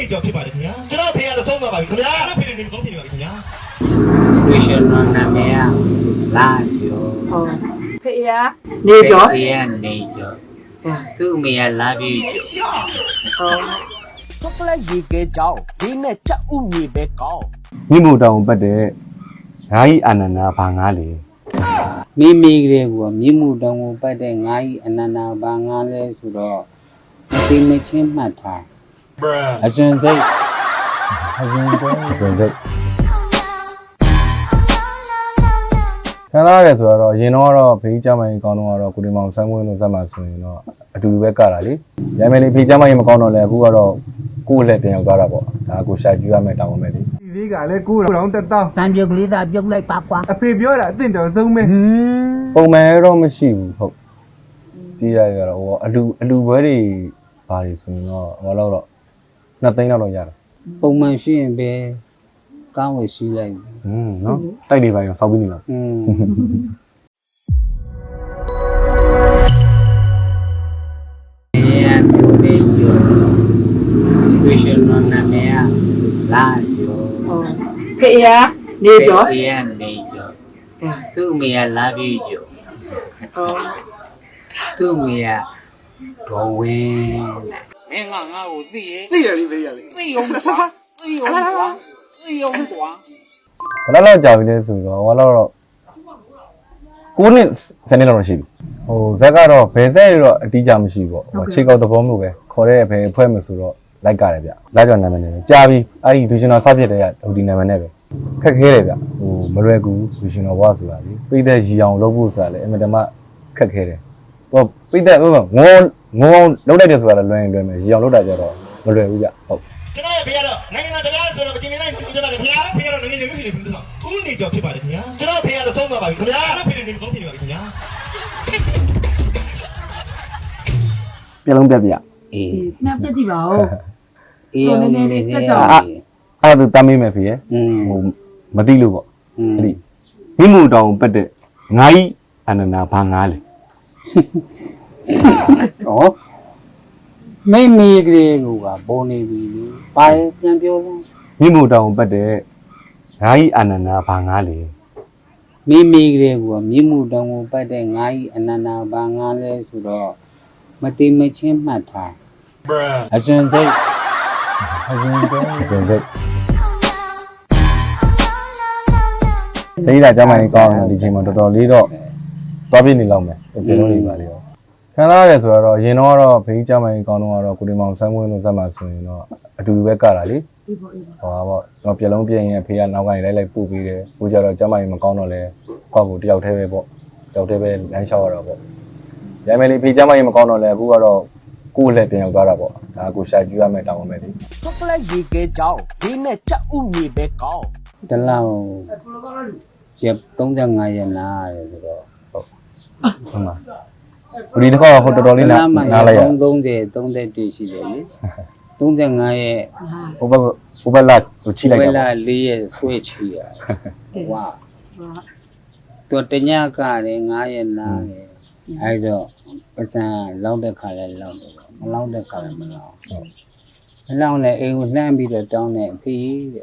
ကျော်ဖြစ်ပါတယ်ခင်ဗျာကျွန်တော်ဖေကတော့ဆုံးသွားပါပြီခင်ဗျာအဲ့ဖေနေကောင်းဖြစ်နေပါပြီခင်ဗျာဝိရှင်တော်နာမည်ကလာကျော်ဟုတ်ဖေရနေကျော်ဖေးကနေကျော်သူ့အမေကလာပြီးကျော်ဟုတ် chocolate ရေခဲကြောင်းဒီနဲ့ချက်ဥမြေပဲကောင်းမြင့်မို့တောင်ပတ်တဲ့ဓာကြီးအာနန္ဒာဘာငါလေမိမိကလေးကမြင့်မှုတောင်ကိုပတ်တဲ့ငါးကြီးအနန္နာဘာငါလဲဆိုတော့မသိမချင်းမှတ်ထားအရှင်စိတ်အရှင်စိတ်စင်စိတ်ခံစားရတယ်ဆိုတော့ရင်တော့ဖေးကြမ်းမရင်ကောင်းတော့ကိုဒီမောင်ဆန်းမွေးလို့ဇက်မှာဆိုရင်တော့အတူတူပဲကတာလေရမယ်လေဖေးကြမ်းမရင်မကောင်းတော့လဲအခုကတော့ကိုယ့်လက်ပြန်ရောက်သွားတာပေါ့ဒါကိုရှာကြည့်ရမယ်တောင်းမယ်လေဒီလေးကလည်းကိုယ်တော်တက်တောင်းစံပြုတ်ကလေးသာပြုတ်လိုက်ပါကွာအဖေပြောတာအသင့်တော်ဆုံးပဲပုံမှန်တော့မရှိဘူးဟုတ်ကြည့်ရရတော့ဟိုအလူဘွဲတွေဘာတွေဆိုရင်တော့ဟောတော့2သိန်းလောက်ရတယ်ပုံမှန်ရှိရင်ပဲကောင်းဝရှိလိုက်နော်တိုက်တွေပါရောစောက်ပြီးနေလားမျိုးလေးကျော်ဝိရှင်တော်နာမည်ကလာကျော်ဟုတ်ဖေရနေကျော်ဖေးကနေကျော်သူ့အမေကလာပြီးကျော်ဟုတ်သူ့အမေကဒေါ်ဝင်းမင်းကငါ့ကိုသိရဲ့သိတယ်လေဖေးရလေသိအောင်ကွာသိအောင်ကွာသိအောင်ကွာဘယ်လောက်ကြာပြီလဲဆိုတော့ဟောတော့9နှစ်10နှစ်လောက်ရှိပြီဟိုဇက်ကတော့ဘယ်ဆက်ရတော့အတီးကြမရှိဘူးပေါ့ဟိုခြေကောက်သဘောမျိုးပဲခေါ်တဲ့ဘယ်ဖွဲ့မယ်ဆိုတော့လိုက်ကြတယ်ဗျလိုက်ကြော်နာမည်နဲ့ကြာပြီအဲ့ဒီဒူရှင်တော်စဖြစ်တဲ့ဟိုဒီနာမည်နဲ့ပဲခက်ခဲတယ်ဗျဟိုမလွယ်ကူဒူရှင်တော်ဘွားဆိုတာလေပိတ်တဲ့ရီအောင်လုပ်ဖို့ဆိုတာလေအင်မတန်မှခက်ခဲတယ်ဟိုပိတ်တဲ့ငုံလုံးလိုက်တယ်ဆိုတာလည်းလွယ်ရင်လွယ်မယ်ရီအောင်လုပ်တာကြတော့မလွယ်ဘူးဗျဟုတ်ကျွန်တော်ရဲ့ဖေကတော့နိုင်ငံတော်တရားဆိုတော့မကျင်နေနိုင်ဘူးကျွန်တော်လည်းခင်ဗျာဖေကတော့နိုင်ငံရေးမရှိဘူးဆိုတော့ဦးနေကျော်ဖြစ်ပါတယ်ခင်ဗျာကျွန်တော်ဖေကတော့ဆုံးသွားပါပြီခင်ဗျာအဲ့ဖေနေကောင်းဖြစ်နေပါပြီခင်ဗျာပြလုံးပြပြအေးနှပ်ပြကြည့်ပါဦးအေးအောင်နေနေတက်ကြပါအဲ့ဒါတမ်းမေးမယ်ဖေရဟိုမသိလို့ပေါ့အဲ့ဒီမိမှုတောင်ပတ်တဲ့ငါးကြီးအနန္ဒာဘာငါလေဟောမိမိကလေးကပေါ်နေပြီလေပါပြန်ပြောလို့မိမှုတောင်ပတ်တဲ့ငါးကြီးအနန္ဒာဘာငါလေမိမိကလေးကမြင့်မှုတောင်ကိုပတ်တဲ့ငါးကြီးအနန္နာဘာငါလဲဆိုတော့မသိမချင်းမှတ်ထားအရှင်စိတ်အရှင်စိတ်စင်စိတ်ဒီလာကြမ်းမရင်ကောင်းတယ်ဒီချိန်မှာတော်တော်လေးတော့သွားပြနေလောက်မယ်ပြေလုံးနေပါလေရောခံစားရတယ်ဆိုတော့ရင်တော့ဘေးကြမ်းမရင်ကောင်းတော့ကိုဒီမောင်ဆန်းမွေးလို့ဇက်မှာဆိုရင်တော့အတူတူပဲကတာလေအေးပေါ့အေးပေါ့ဟောပေါ့ကျွန်တော်ပြလုံးပြင်းရင်ဖေကနောက်ကနေလိုက်ပို့ပေးတယ်ကိုကြတော့ကြမ်းမရင်မကောင်းတော့လဲပေါ့ကိုတယောက်တည်းပဲပေါ့တယောက်တည်းပဲလမ်းလျှောက်ရတော့ပေါ့ရမယ်လေဖေကြမ်းမရင်မကောင်းတော့လဲအခုကတော့ကိုယ့်လက်ပြန်ရောက်သွားတာပေါ့ဒါကိုရှာကြည့်ရမယ်တောင်းမယ်လေ chocolate ရေခဲကြောင်းဒီနဲ့ချက်ဥမြေပဲကောင်းတလောက်ရက်35ရက်နားရတယ်ဆိုတော့ဟုတ်ပါဘူးဒီတစ်ခါဟိုတော်တော်လေးနားလိုက်ရ 30 31ရှိတယ်လေ35ရက်ဟိုဘက်လာဟိုချိလိုက်ဝဲတာလာ4ရက်ဆွဲချီရဝါသူတညကလည်း9ရက်နားတယ်အဲ့တော့ပစံလောက်တဲ့ခါလဲလောက်တယ်မလောက်တဲ့ခါလဲမလောက်မလောက်လဲအိမ်ကိုလှမ်းပြီးတော့တောင်းတယ်ဖေးတဲ့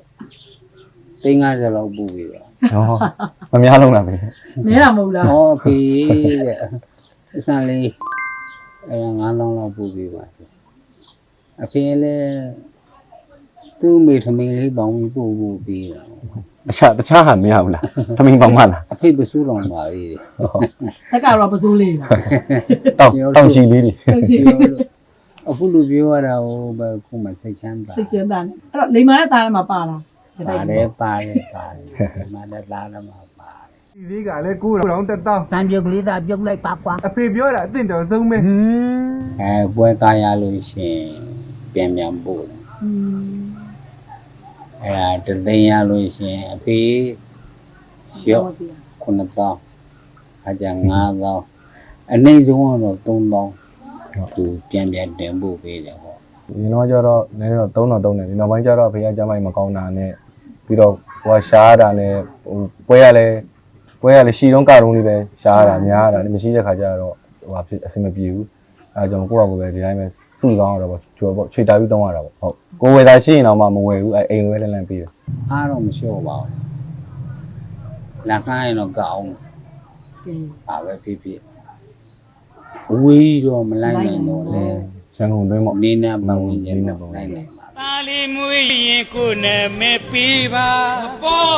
350လောက်ပို့ပြီးတော့ဟောမများလုံးလားပဲနဲတာမဟုတ်လားဟောဖေးတဲ့ပစံလေးအဲ့ဒါ9000လောက်ပို့ပြီးပါအဖေလည်းသူ့မိထမင်းလေးပေါင်းပြီးပို့ပြီးတာတခြားဟာမရဘူးလားထမင်းပေါင်းမလားအဖေပစိုးတော်ပါလေတက်ကတော့ပစိုးလေးလားတောင်ချီလေးတွေဟုတ်ရှိအခုလူပြောရတာဟိုဘယ်ခုမှစိတ်ချမ်းသာသိကျန်းတာနဲ့အဲ့တော့လိမ္မာနဲ့တားထဲမှာပါလားပါတယ်ပါတယ်မလည်းလာတော့မှာပါဒီလေးကလည်းကိုယ်တော်တက်တောင်းစံပြုတ်ကလေးသာပြုတ်လိုက်ပါကွာအဖေပြောတာအသင့်တော်ဆုံးပဲပွဲကားရလို့ရှင်ပြန်ပို့တယ်อืมအဲ့ဒါတသိန်းရလို့ရှင်အဖေရော့9000အကြ9000အနည်းဆုံးတော့3000သူပြန်တင်ပို့ပေးတယ်ဟောဒီတော့ကျတော့နည်းတော့3000တယ်ဒီနောက်ပိုင်းကျတော့ဖေကကျမ်းမိုင်မကောင်းတာနဲ့ပြီးတော့ဟိုရှားတာနဲ့ဟိုပွဲရလဲရှီတုံးကတုံးလေးပဲရှားတာများတာမရှိတဲ့ခါကျတော့ဟိုဖြစ်အဆင်မပြေဘူးအဲကြောင့်ကိုယ့်အကူပဲဒီတိုင်းပဲစုကောင်းရတော့ပေါ့ကျွေးပေါ့ချွေတာပြီးတောင်းရတာပေါ့ဟုတ်ကိုဝယ်သားရှိရင်တော့မှမဝယ်ဘူးအဲအိမ်ဝယ်လန့်ပြီးတယ်အားတော့မလျှော့ပါဘူးလက်ခိုင်းတော့ကောင်းကဲပါပဲဖြစ်ဖြစ်ဝေးတော့မလိုက်နိုင်တော့လေရန်ကုန်တွင်းပေါ့နေနဲ့မဝင်ရင်တော့လိုက်နိုင်ပါပါလီမွေးရင်ကိုနဲ့မဲပေးပါပေါ့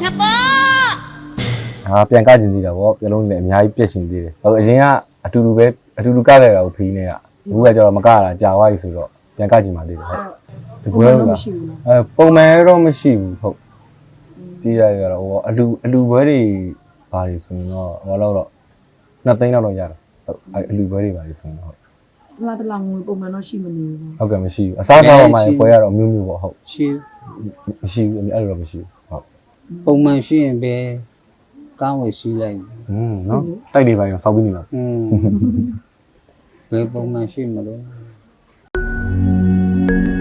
ဟာပြန်ကကျင်သေးတာပေါ့ပြလုံးလည်းအများကြီးပြက်ရှင်သေးတယ်ဟုတ်အရင်ကအတူတူကခဲ့တာကိုဖီးနေရအခုကကျတော့မကတာကြာသွားပြီဆိုတော့ပြန်ကကျင်ပါသေးတယ်ဟုတ်ဒီပွဲကမရှိဘူးလားပုံမှန်တော့မရှိဘူးဟုတ်ကြည့်ရရတော့ဟိုအလူပွဲတွေဘာတွေဆိုရင်တော့ဟောတော့2သိန်းလောက်တော့ရတယ်ဟုတ်အလူပွဲတွေဘာတွေဆိုရင်ဟုတ်လာတလာငွေပုံမှန်တော့ရှိမနေဘူးဟုတ်ကဲ့မရှိဘူးအစားအသောက်မှာပွဲရတော့အမျိုးမျိုးပေါ့ဟုတ်ရှိမရှိဘူးအဲ့လိုတော့မရှိဘူးဟုတ်ပုံမှန်ရှိရင်ပဲကောင်းဝယ်ရှိလိုက်နော်တိုက်တွေပါရောစောက်ပြီးနေတော့ဘယ်ပုံမှန်ရှိမလို့